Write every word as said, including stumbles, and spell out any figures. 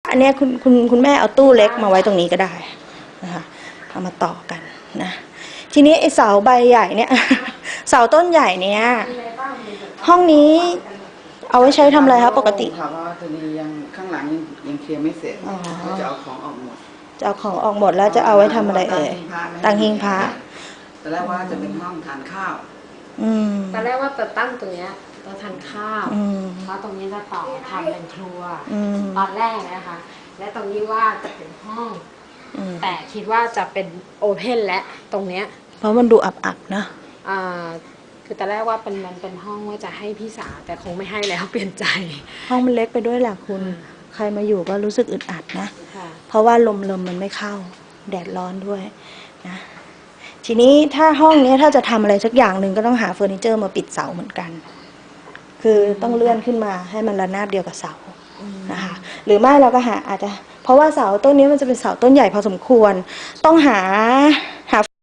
อันนี้คุณคุณคุณแม่เอาตู้เล็กมาไว้ตรงนี้ก็ได้นะคะเอามาต่อกันนะทีนี้ไอ้เสาใบใหญ่เนี่ยเสาต้นใหญ่เนี่ยห้องนี้เอาไว้ใช้ทำอะไรคะปกติค่ะว่าตอนนี้ยังข้างหลังยังยังเคลียร์ไม่เสร็จจะเอาของออกหมดจะเอาของออกหมดแล้วจะเอาไว้ทำอะไรเอ่ยตั้งหิ้งพระตอนแรกว่าจะเป็นห้องทานข้าวตอนแรกว่าจะตั้งตรงนี้จะทานข้าวแล้วตรงนี้จะต่อทำเป็นครัวตอนแรกนะคะและตรงนี้ว่าจะเป็นห้องแต่คิดว่าจะเป็นโอเพนและตรงเนี้ยเพราะมันดูอับๆนะคือตอนแรกว่าเป็นมันเป็นห้องว่าจะให้พี่สาวแต่คงไม่ให้แล้วเปลี่ยนใจห้องมันเล็กไปด้วยแหละคุณใครมาอยู่ก็รู้สึกอึดอัดนะเพราะว่าลมลมมันไม่เข้าแดดร้อนด้วยนะทีนี้ถ้าห้องนี้ถ้าจะทำอะไรสักอย่างหนึ่งก็ต้องหาเฟอร์นิเจอร์มาปิดเสาเหมือนกันคือต้องเลื่อนขึ้นมาให้มันระนาบเดียวกับเสานะคะหรือไม่เราก็หาอาจจะเพราะว่าเสาต้นนี้มันจะเป็นเสาต้นใหญ่พอสมควรต้องหาหา